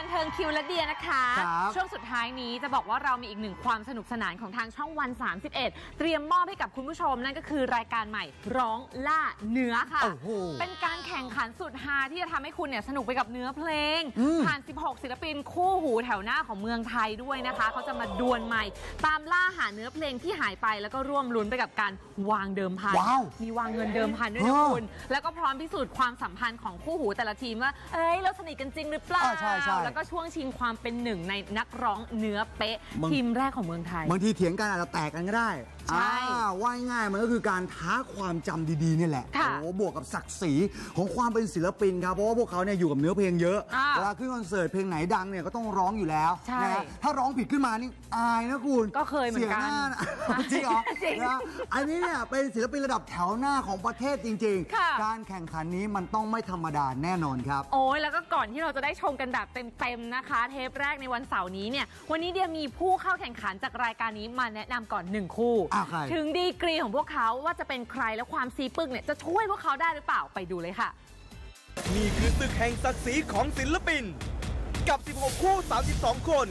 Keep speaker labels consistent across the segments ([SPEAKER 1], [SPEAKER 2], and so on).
[SPEAKER 1] เทิงคิวและเดียนะคะช่วงสุดท้ายนี้จะบอกว่าเรามีอีกหนึ่งความสนุกสนานของทางช่องวัน31เตรียมมอบให้กับคุณผู้ชมนั่นก็คือรายการใหม่ร้องล่าเนื้อค่ะเป็นการแข่งขันสุดฮาที่จะทำให้คุณเนี่ยสนุกไปกับเนื้อเพลงผ่าน16ศิลปินคู่หูแถวหน้าของเมืองไทยด้วยนะคะเขาจะมาดวลใหม่ตามล่าหาเนื้อเพลงที่หายไปแล้วก็ร่วมลุ้นไปกับการวางเดิมพันมีวางเงินเดิมพันด้วยนะคุณแล้วก็พร้อมพิสูจน์ความสัมพันธ์ของคู่หูแต่ละทีมว่าเราสนิทกันจริงหรือเปล่าแล้วก็ช่วงชิงความเป็นหนึ่งในนักร้องเนื้อเป๊ะทีมแรกของเมืองไทย
[SPEAKER 2] บางทีเถียงกันอาจจะแตกกันก็ได้ใช่ว่าง่ายมันก็คือการท้าความจำดีๆนี่แหละโอ้บวกกับศักดิ์ศรีของความเป็นศิลปินครับเพราะว่าพวกเขาเนี่ยอยู่กับเนื้อเพลงเยอะเวลาขึ้นคอนเสิร์ตเพลงไหนดังเนี่ยก็ต้องร้องอยู่แล้วนะถ้าร้องผิดขึ้นมานี่อายนะคุณ
[SPEAKER 1] ก็เคยเหมือนกัน
[SPEAKER 2] จริงเหรอนะอันนี้เนี่ยเป็นศิลปินระดับแถวหน้าของประเทศจริงๆการแข่งขันนี้มันต้องไม่ธรรมดาแน่นอนครับ
[SPEAKER 1] โอ้ยแล้วก็ก่อนที่เราจะได้ชมกันแบบเต็มๆนะคะเทปแรกในวันเสาร์นี้เนี่ยวันนี้เดียมีผู้เข้าแข่งขันจากรายการนี้มาแนะนำก่อน1คู่ถึงดีกรีของพวกเขาว่าจะเป็นใครและความซีปึกเนี่ยจะช่วยพวกเขาได้หรือเปล่าไปดูเลยค่ะ
[SPEAKER 3] นี่คือศึกแห่งศักดิ์ศรีของศิลปินกับ16คู่32คน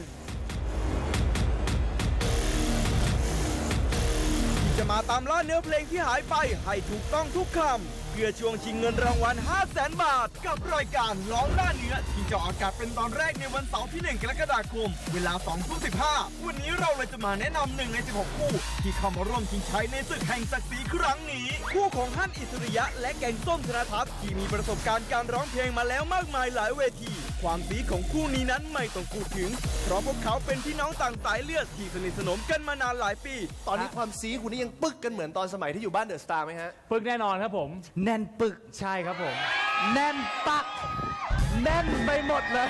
[SPEAKER 3] ที่จะมาตามล่าเนื้อเพลงที่หายไปให้ถูกต้องทุกคำเพื่อช่วงชิงเงินรางวัล 500,000 บาทกับรายการร้องล่าเนื้อที่จะออกอากาศเป็นตอนแรกในวันเสาร์ที่1 กรกฎาคมเวลา 20:15 วันนี้เราเลยจะมาแนะนำ1 ใน 16 คู่ที่เข้ามาร่วมชิงชัยในศึกแห่งศักดิ์ศรีครั้งนี้คู่ของฮั่นอิสริยะและแกงส้มธนทัศน์ที่มีประสบการณ์การร้องเพลงมาแล้วมากมายหลายเวทีความสีของคู่นี้นั้นไม่ต้องพูดถึงเพราะพวกเขาเป็นพี่น้องต่างสายเลือดที่สนิทสนมกันมานานหลายปี
[SPEAKER 4] ตอนนี้ความสีคุณนี่ยังปึกกันเหมือนตอนสมัยที่อยู่บ้านเดอะสตาร์ไหมฮะ
[SPEAKER 5] ปึกแน่นอนครับผม
[SPEAKER 4] แน่นปึก
[SPEAKER 5] ใช่ครับผม
[SPEAKER 4] แน่นปักแน่นไปหมดเลย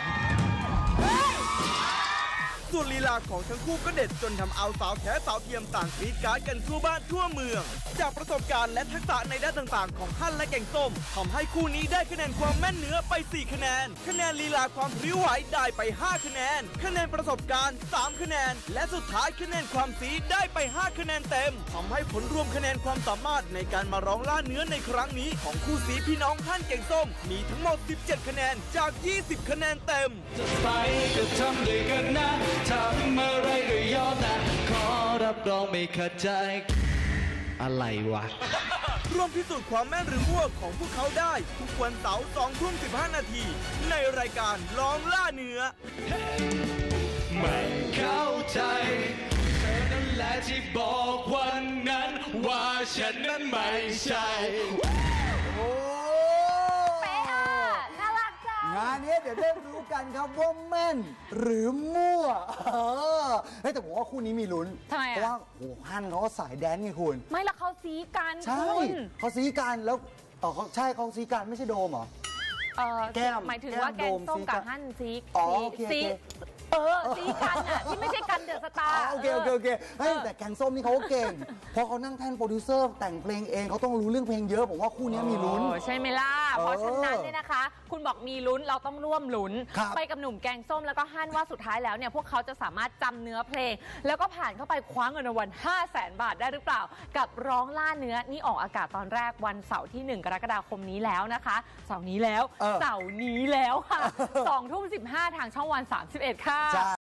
[SPEAKER 3] ส่วนลีลาของทั้งคู่ก็เด็ดจนทำเอาสาวแท้สาวเทียมต่างกรี๊ดกราร์ดกันทั่วบ้านทั่วเมืองจากประสบการณ์และทักษะในด้านต่างๆของฮั่นและแกงส้มทำให้คู่นี้ได้คะแนนความแม่นเนื้อไป4คะแนนคะแนนลีลาความพริ้วไหวได้ไป5คะแนนคะแนนประสบการณ์3คะแนนและสุดท้ายคะแนนความสีได้ไป5คะแนนเต็มทำให้ผลรวมคะแนนความสามารถในการมาร้องล่าเนื้อในครั้งนี้ของคู่สีพี่น้องฮั่นแกงส้มมีทั้งหมด17คะแนนจาก20คะแนนเต็ม
[SPEAKER 6] จะไปก็ทำด้วยกันนะทำอะไรก็ยอมนะขอรับรองไม่ขัดใจอะไรวะ
[SPEAKER 3] ร่วมพิสูจน์ความแม่นหรือมั่วของพวกเขาได้ทุกวันเสาร์ 20:15 นาทีในรายการร้องล่าเนื้อ
[SPEAKER 6] ไม่เข้าใจเธอนั่นแหละที่บอกวันนั้นว่าฉันนั้นไม่ใช่
[SPEAKER 2] งานนี้เดี๋ยวได้รู้กันครับว่าแม่นหรือมั่วแต่ผมว่าคู่นี้มีลุ้น
[SPEAKER 1] ทำไมเพ
[SPEAKER 2] ราะว่าโอ้ฮั่นเขาก็สายแดนไงคุณ
[SPEAKER 1] ไม่ละเขาซีกัน
[SPEAKER 2] ใช่เขาซีกันแล้วใช่เขาซีกันไม่ใช่โดมเหรอ
[SPEAKER 1] แก้มหมายถึงว่าแกงส้มกับฮั่นซีซีกันอ่ะที่ไม่ใช่กันเดอะสตาร์
[SPEAKER 2] โอเคแต่แกงส้มนี่เขาก็เก่งพอเขานั่งแท่นโปรดิวเซอร์แต่งเพลงเองเขาต้องรู้เรื่องเพลงเยอะผมว่าคู่นี้มีลุ้น
[SPEAKER 1] ใช่ไหมล่ะเพราะฉะนั้นเนี่ยนะคะคุณบอกมีลุ้นเราต้องร่วมลุ้นไปกับหนุ่มแกงส้มแล้วก็ฮั่นว่าสุดท้ายแล้วเนี่ยพวกเขาจะสามารถจำเนื้อเพลงแล้วก็ผ่านเข้าไปคว้าเงินรางวัล 500,000 บาทได้หรือเปล่ากับร้องล่าเนื้อนี่ออกอากาศตอนแรกวันเสาร์ที่1 กรกฎาคมนี้แล้วนะคะเสาร์นี้แล้วค่ะ 20:15 ทางช่องวัน31ค่ะ